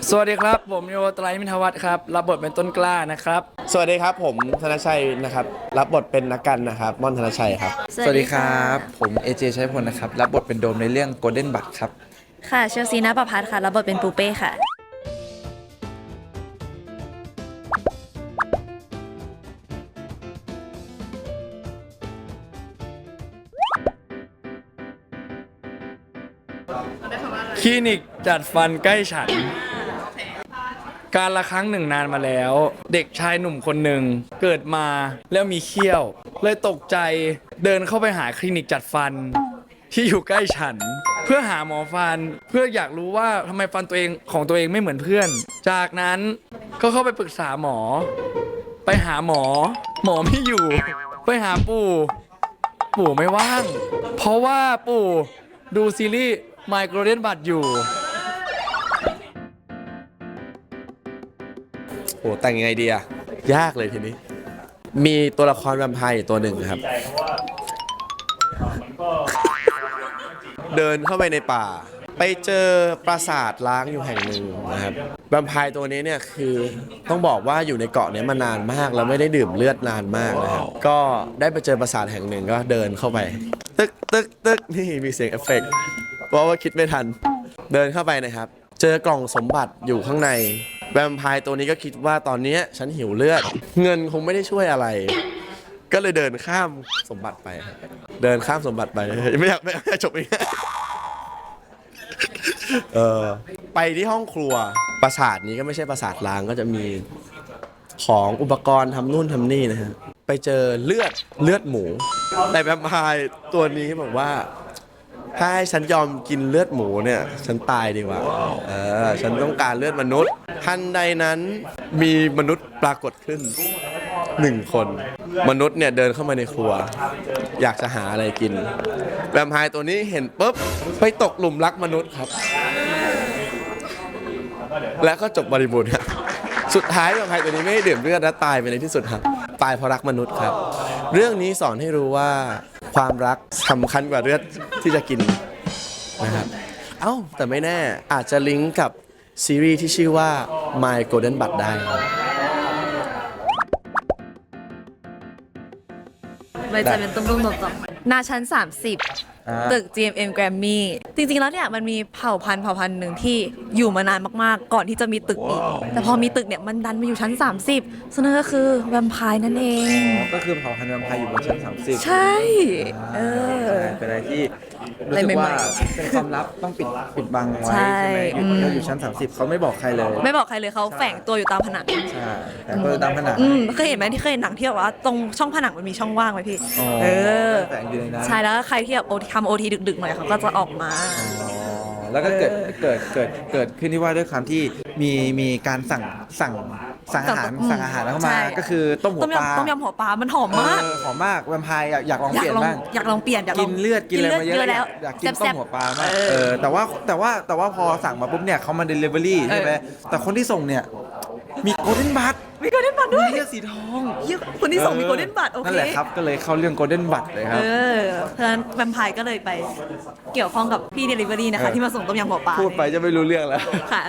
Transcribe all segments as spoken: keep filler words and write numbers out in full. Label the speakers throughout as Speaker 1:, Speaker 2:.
Speaker 1: สวัสดีครับผมโยไตรมิทวัฒน์ครับรับบทเป็นต้นกล้านะครับ
Speaker 2: สวัสดีครับผมธนชัยนะครับรับบทเป็นนักกันนะครับม่อนธนชัยครับ
Speaker 3: สวัสดีครับผมเอเจชัยพลนะครับรับบทเป็นโดมในเรื่อง Golden Bud ครับ
Speaker 4: ค่ะเชลซีณประภัสค่ะรับบทเป็นปูเป้ค่ะ
Speaker 1: คลินิกจัดฟันใกล้ฉันการละครั้งหนึ่งนานมาแล้วเด็กชายหนุ่มคนหนึ่งเกิดมาแล้วมีเขี้ยวเลยตกใจเดินเข้าไปหาคลินิกจัดฟันที่อยู่ใกล้ฉันเพื่อหาหมอฟันเพื่ออยากรู้ว่าทำไมฟันตัวเองของตัวเองไม่เหมือนเพื่อนจากนั้นก็เข้าไปปรึกษาหมอไปหาหมอหมอไม่อยู่ไปหาปู่ปู่ไม่ว่างเพราะว่าปู่ดูซีรีส์ My Golden Bud อยู่
Speaker 2: โหแต่งยังไงดีอะยากเลยทีนี้มีตัวละครแวมไพร์ตัวหนึ่งครับเดินเข้าไปในป่าไปเจอปราสาทล้างอยู่แห่งหนึ่งนะครับแวมไพร์ตัวนี้เนี่ยคือต้องบอกว่าอยู่ในเกาะนี้มานานมากแล้วไม่ได้ดื่มเลือดนานมากนะครับก็ได้ไปเจอปราสาทแห่งหนึ่งก็เดินเข้าไปตึกตึกตึกนี่มีเสียงเอฟเฟกต์เพราะว่าคิดไม่ทันเดินเข้าไปนะครับเจอกล่องสมบัติอยู่ข้างในแวมไพร์ตัวนี้ก็คิดว่าตอนนี้ฉันหิวเลือดเงินคงไม่ได้ช่วยอะไรก็เลยเดินข้ามสมบัติไปเดินข้ามสมบัติไปไม่อยากไม่อยากจบอีกเออไปที่ห้องครัวปราสาทนี้ก็ไม่ใช่ปราสาทล้างก็จะมีของอุปกรณ์ทำนู่นทำนี่นะฮะไปเจอเลือดเลือดหมูแต่แวมไพร์ตัวนี้บอกว่าถ้าให้ฉันยอมกินเลือดหมูเนี่ยฉันตายดีกว่าเออฉันต้องการเลือดมนุษย์ทันใดนั้นมีมนุษย์ปรากฏขึ้นหนึ่งคนมนุษย์เนี่ยเดินเข้ามาในครัวอยากจะหาอะไรกินแวมไพร์ตัวนี้เห็นปุ๊บไปตกหลุมรักมนุษย์ครับแล้วก็จบบริบูรณ์ครับสุดท้ายแวมไพร์ตัวนี้ไม่ได้ดื่มเลือดและตายไปในที่สุดครับตายเพราะรักมนุษย์ครับเรื่องนี้สอนให้รู้ว่าความรักสำคัญกว่าเลือดที่จะกินนะครับเอ้าแต่ไม่แน่อาจจะลิงก์กับซีรีส์ที่ชื่อว่า My Golden Bud ได้
Speaker 4: ใบจะเป็นตุ้มๆต่อๆหน้าชั้นสามสิบตึก จี เอ็ม เอ็ม Grammy จริงๆแล้วเนี่ยมันมีเผ่าพันธุ์เผ่าพันธุ์หนึ่งที่อยู่มานานมากๆก่อนที่จะมีตึกอีกแต่พอมีตึกเนี่ยมันดันมาอยู่ชั้นสามสิบซึ่งนั่นก็คือแวมไพร์นั่นเอง
Speaker 3: ก็คือเผ่าพันธุ์แวมไพร์อยู่บนชั้นสามสิบ
Speaker 4: ใช่เออ
Speaker 3: เป็นอะไรที่รู้สึกว่าเป็นความลับต้องปิดปิดบังไว้ใช่ไหมเขาอยู่ชั้นสามสิบเขาไม่บอกใครเลย
Speaker 4: ไม่บอกใครเลยเขาแฝงตัวอยู่ตามผนัง
Speaker 3: ใช่แต่ก็ตามผนัง
Speaker 4: เคยเห็นไหมที่เคยเห็นหนังที่แบบว่าตรงช่องผนังมันมีช่องว่างไหมพี่เออ
Speaker 3: แฝงอยู่ในนั้น
Speaker 4: ใช่แล้วใครที่แบบทำโอทีดึกๆหน่อยเขาก็จะออกมา
Speaker 3: แล้วก็เกิดเกิดเกิดเกิดขึ้นที่ว่าด้วยความที่มีมีการสั่งสั่งสั่งอาหารสั่งอาหารเข้ามาก็คือต้มหัวปลา
Speaker 4: ต้มยำหัวปลามันหอมมาก
Speaker 3: หอมมากแวมไพร์อยากลองเปลี่ยนบ้าง
Speaker 4: อยากลองเปลี่ยนอยาก
Speaker 3: กินเลือดกินอะไรมาเยอะแล้วอยากกินต้มหัวปลามากเออแต่ว่าแต่ว่าแต่ว่าพอสั่งมาปุ๊บเนี่ยเขามาเดลิเวอรี่ใช่ไหมแต่คนที่ส่งเนี่ยมีโกลเด้นบัด
Speaker 4: มีโกลเด้นบัดด้วย
Speaker 3: เลือดสีทอง
Speaker 4: คนที่ส่งมีโกลเด้นบัดโอเค
Speaker 3: นั่นแหละครับก็เลยเข้าเรื่องโกลเด้นบัดเลยครับ
Speaker 4: เออเพราะฉะนั้นแวมไพร์ก็เลยไปเกี่ยวข้องกับพี่เดลิเวอรี่นะคะที่มาส่งต้มยำหัวปลา
Speaker 3: พูดไปจะไม่รู้เรื่องแล้ว
Speaker 4: ค่ะ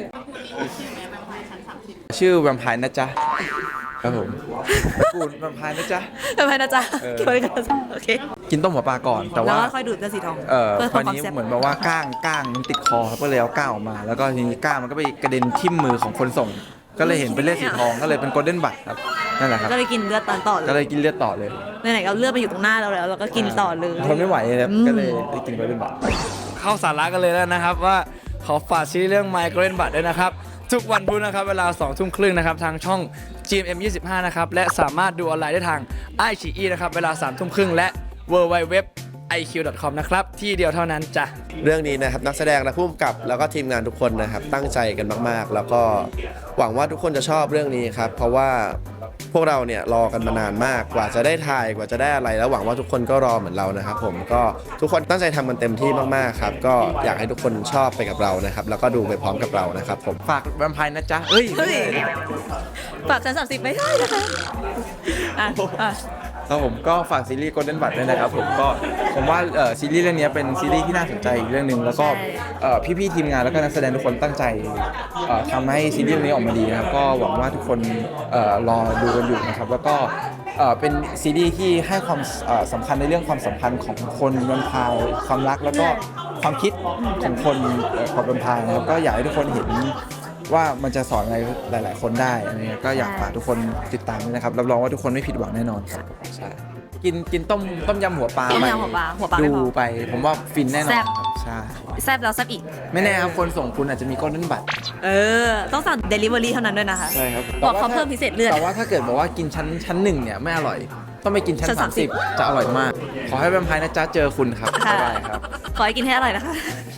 Speaker 3: ชื่อแวมไพร์นะจ๊ะครับผมกูดแวมไพร์นะจ๊ะ
Speaker 4: แวมไพร์นะจ๊ะโอเค
Speaker 3: กินต้มหัวปลาก่อนแต่ว่า
Speaker 4: ค่อยดูดเลือดสีทอง
Speaker 3: เออคราวนี้เหมือนแบบว่าก้างก้างมันติดคอก็เลยเอาก้างออกมาแล้วก็ทีนี้ก้างมันก็ไปกระเด็นทิ่มมือของคนส่งก็เลยเห็นเป็นเลือดสีทองก็เลยเป็นโกลเด้นบัดครับนั่นแหละครับ
Speaker 4: ก็เลยกินเลือดต่อเลย
Speaker 3: ก็เลยกินเลือดต่อเลย
Speaker 4: ไหนๆเอาเลือดมาอยู่ตรงหน้าเราแล้วเราก็กินต่อเลย
Speaker 3: ทนไม่ไหวเลยก็เลยได้กินโกลเด้นบัด
Speaker 1: เข้าสาระกันเลยแล้วนะครับว่าขอฝากซีรีส์เรื่อง My Golden Bud ด้วยนะครับทุกวันพุธนะครับเวลาสองทุ่มครึ่งนะครับทางช่อง จี เอ็ม เอ็ม ยี่สิบห้านะครับและสามารถดูออนไลน์ได้ทาง ไอ ซี อี นะครับเวลาสามทุ่มครึ่งและ ดับเบิลยู ดับเบิลยู ดับเบิลยู ดอท ไอ คิว ดอท คอม นะครับที่เดียวเท่านั้นจ้ะ
Speaker 2: เรื่องนี้นะครับนักแสดงและผู้กำกับแล้วก็ทีมงานทุกคนนะครับตั้งใจกันมากๆแล้วก็หวังว่าทุกคนจะชอบเรื่องนี้ครับเพราะว่าพวกเราเนี่ยรอกันมานานมากกว่าจะได้ถ่ายกว่าจะได้อะไรแล้วหวังว่าทุกคนก็รอเหมือนเรานะครับผมก็ทุกคนตั้งใจทำกันเต็มที่มากๆครับก็อยากให้ทุกคนชอบไปกับเรานะครับแล้วก็ดูไปพร้อมกับเรานะครับผม
Speaker 3: ฝากแวมไพร์นะจ๊ะเฮ้ย
Speaker 4: ฝากชั้นสามสิบไม่ได้นะคะ
Speaker 3: ครับผมก็ฝากซีรีส์ Golden Bud ด้วยนะครับผมก็ผมว่าเอ่อซีรีส์เรื่องนี้เป็นซีรีส์ที่น่าสนใจอีกเรื่องหนึ่งแล้วก็เอ่อพี่ๆทีมงานแล้วก็นักแสดงทุกคนตั้งใจเอ่อทำให้ซีรีส์เรื่องนี้ออกมาดีนะครับก็หวังว่าทุกคนเอ่อรอดูกันอยู่นะครับแล้วก็เอ่อเป็นซีรีส์ที่ให้ความเอ่อสำคัญในเรื่องความสัมพันธ์ของคนแวมไพร์ความรักแล้วก็ความคิดของคนเอ่อกับแวมไพร์นะครับก็อยากให้ทุกคนเห็นว่ามันจะสอนอะไรหลาย ๆ คนได้อะไรเงี้ยก็อยากฝากทุกคนติดตามด้วยนะครับรับรองว่าทุกคนไม่ผิดหวังแน่นอนครับใช่กินกินต้มต้มยำหัวปลา
Speaker 4: ต้ม
Speaker 3: ไป
Speaker 4: ยำหัวปลาหัวปลาไม่พอ
Speaker 3: ดูไป ผมว่าฟินแน่นอน
Speaker 4: แซ่บ
Speaker 3: ครับใช่
Speaker 4: แซบแล้วแซบอีก
Speaker 3: ไม่แน่ครับคนส่งคุณอาจจะมีก้นนั่นบัตร
Speaker 4: เออ ต้องสั่ง Delivery เท่านั้นด้วยนะคะ
Speaker 3: ใช่ครับ
Speaker 4: บอกเขาเพิ่มพิเศษเลือด
Speaker 3: แต่ว่าถ้าเกิดบอกว่ากินชั้นชั้นหนึ่งเนี่ยไม่อร่อย ต้องไปกินชั้น
Speaker 4: ชั้น
Speaker 3: สามสิบ
Speaker 4: สามสิบ
Speaker 3: จะอร่อยมาก ขอให้แวมไพร์นะจ๊ะเจอคุณครับบ๊ายบายครับ
Speaker 4: ขอให้กินให้อร่อยนะคะ